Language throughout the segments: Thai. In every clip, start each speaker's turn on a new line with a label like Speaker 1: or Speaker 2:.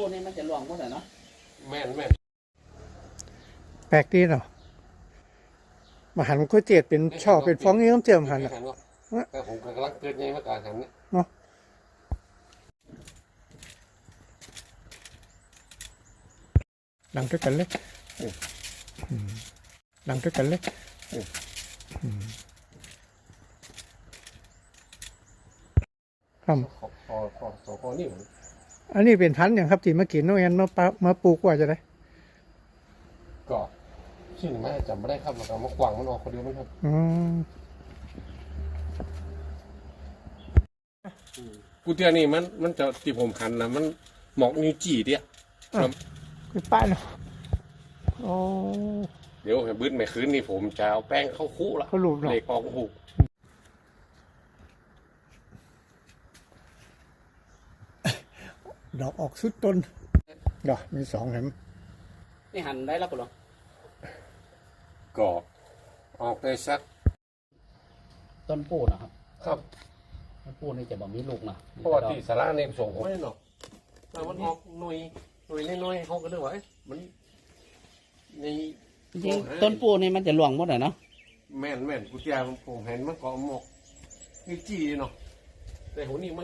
Speaker 1: นี่มันจะหลวงหมดเลยเนาะ
Speaker 2: แม่น
Speaker 3: แปลกดีเนาะมาหันก๋วยเตี๋ยวเป็นช่อเป็นฟองนี่ต้องเจียมหันอ่ะ
Speaker 2: แต่ผมกำลังเกิดไงมาการหันเนี่ย
Speaker 3: เนาะดังด้วยกันเลยดังด้วยกันเลยครับ
Speaker 2: ขอนี่
Speaker 3: อันนี้เป็นพันธุ์อย่างครับที่มากินน้องแอนมาปลูกว่าจะได้
Speaker 2: ก็ชื่อแม่จำไม่ได้ครับแล้วก็มากวางมันออกคนเดียวมั้งครับกูเตียนี่มันจะที่ผมหันนะมันหมอกนิ้วจี้เดีย
Speaker 3: คือป้ายเนาะโอ้
Speaker 2: เดี๋ยวบึ้นไม่คืนนี่ผมจะเอาแป้งเข้าคู่ละ
Speaker 3: เขาหลุดเนาะ
Speaker 2: เหล็กออกหู
Speaker 3: ดอกออกสุดต้นดอกมี2เห็น
Speaker 1: นี่หั่นได้แล้วปะหรอ
Speaker 2: ก็ออกได้สัก
Speaker 1: ต้นปูนะครับ
Speaker 2: ครับ
Speaker 1: ต้นปูนี่จะบ่มีลูกนะ
Speaker 2: เพราะว่าที่สาระในส่งผมไม่หรอกแต่มันออกหน่วยน้อยเขาก็ด้วยว่ามันใน
Speaker 1: จริงต้นปูนี่มันจะหลวงหมดเลยเนาะ
Speaker 2: แม่นกูเตียผมเห็นมันก็หมอกนิ้วจี้เนาะแต่หัวนี่มัน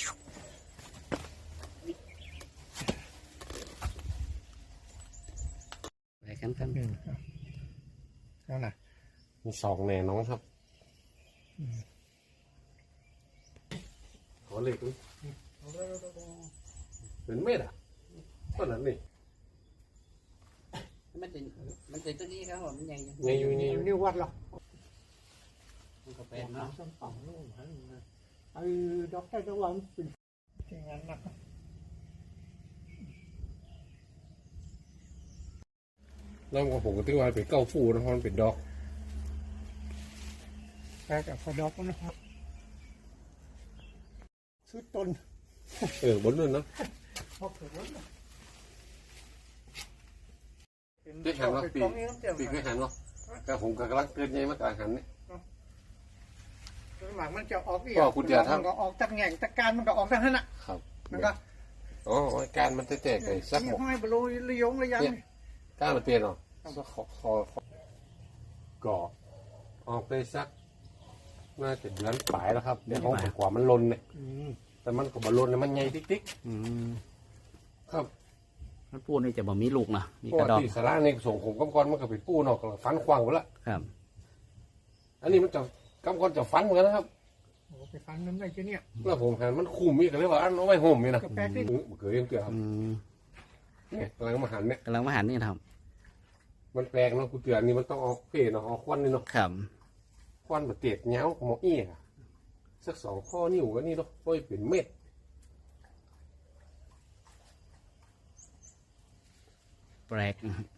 Speaker 1: อะไรกัน
Speaker 3: แล้วนะ
Speaker 2: มี2แน่น้องครับขอเล็กเป็นเม็ดอ่ะก็นั่นนี่
Speaker 1: มันจะตัวนี้ครับผมมันใหญ่
Speaker 2: อยู่
Speaker 3: นิ้ววัดหรอ
Speaker 1: มันก็เป็นเนาะ
Speaker 3: ดอกไม้ตะวันเป็นอย่างนั้นนะ
Speaker 2: แล้วก็ผมก็ตีว่าเป็นเก้าฟูนะเพราะมันเป็นดอก
Speaker 3: แปลกับพอดอกนะครับสุดต้น
Speaker 2: บนนั่นนะได้หันวะปีเคยหันวะแต่ผมกำลังเกิดไงมาการหันเนี่ย
Speaker 3: หลังมันจะออก
Speaker 2: ก็คุณจะทำ
Speaker 3: มันก็ออกจากแง่งจากการมันก็ออกจากนั้นอ่ะ
Speaker 2: ครับ
Speaker 3: มันก็
Speaker 2: การมันแตกๆไปสัก
Speaker 3: หกห้อยบลูระยงระยัง
Speaker 2: การมันเตี้ยเนาะก็ออกไปสักน่าจะเดือนปลายแล้วครับเดี๋ยวของกว่ามันลนเนี่ยแต่มันก็บอลลนเนี่ยมันใหญ่ติ๊กครับ
Speaker 1: ต้นปูนี่จะบ่มีลูกนะมี
Speaker 2: กระดอกที่สาระในส่งผมกำกรมันก็เป็นปูนอกฟันควางหมดละ
Speaker 1: ครับ
Speaker 2: อันนี้มันจะกำกรจะฟันเหมือนกันนะครับ
Speaker 3: โอ้ไปฟันมันได้แค่นี้
Speaker 2: แล้วผมเห็นมันคุมอีกเลยว่าอันเอาไว้ห่มนี่นะ
Speaker 3: แปลกดิ
Speaker 2: เกิดยังเกิดครับเนี่ยกำลังมาหันเนี่ย
Speaker 1: ครับ
Speaker 2: มันแปลกเนาะกูเตือนนี่มันต้องเอาเพ่เนาะเอาควันนี่เนาะ
Speaker 1: ครับ
Speaker 2: ควันแบบเตียดเงาหมอเอี้ยสัก2 ข้อนิ้วก็นี่เนาะก็เป็นเม็ด
Speaker 1: แปลก